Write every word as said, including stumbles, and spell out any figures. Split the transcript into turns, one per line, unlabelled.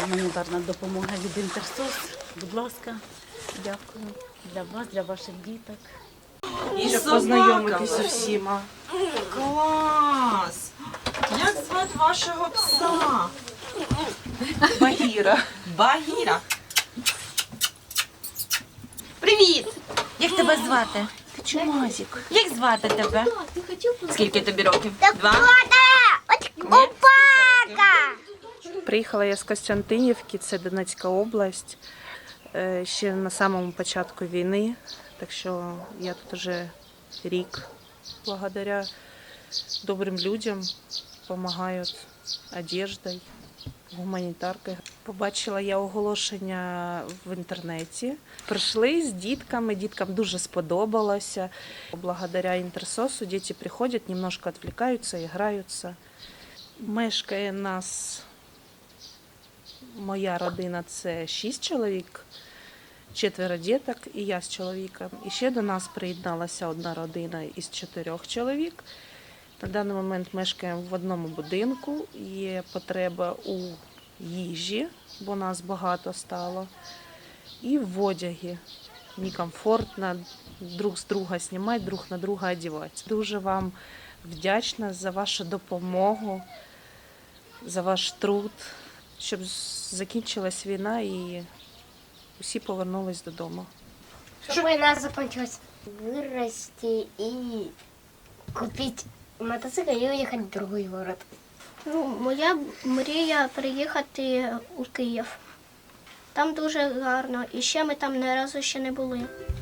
Гуманітарна допомога від Інтерсос. Будь ласка, дякую. Для вас, для ваших діток.
І
Щоб
собака.
познайомитися всіма.
Клас! Як звати вашого пса?
Багіра.
Багіра.
Привіт! Як тебе звати?
Ти чумазик.
Як звати тебе? Скільки тобі років? Два?
Приїхала я з Костянтинівки, це Донецька область, е, ще на самому початку війни, так що я тут вже рік. Благодаря добрим людям допомагають одеждою, гуманітаркою. Побачила я оголошення в інтернеті. Прийшли з дітками, діткам дуже сподобалося. Благодаря Інтерсосу діти приходять, немножко відвлікаються, граються. Мешкає нас, моя родина – це шість чоловік, четверо діток і я з чоловіком. І ще до нас приєдналася одна родина із чотирьох чоловік. На даний момент мешкаємо в одному будинку, є потреба у їжі, бо нас багато стало, і в одягі. Некомфортно друг з друга знімати, друг на друга одягати. Дуже вам вдячна за вашу допомогу, за ваш труд, щоб закінчилась війна і усі повернулись додому.
Чтобы война закончилась. Вырасти и купить мотоцикл и уехать в другой город.
Ну, моя мрія приїхати у Київ. Там дуже гарно, і ще ми там ні разу ще не були.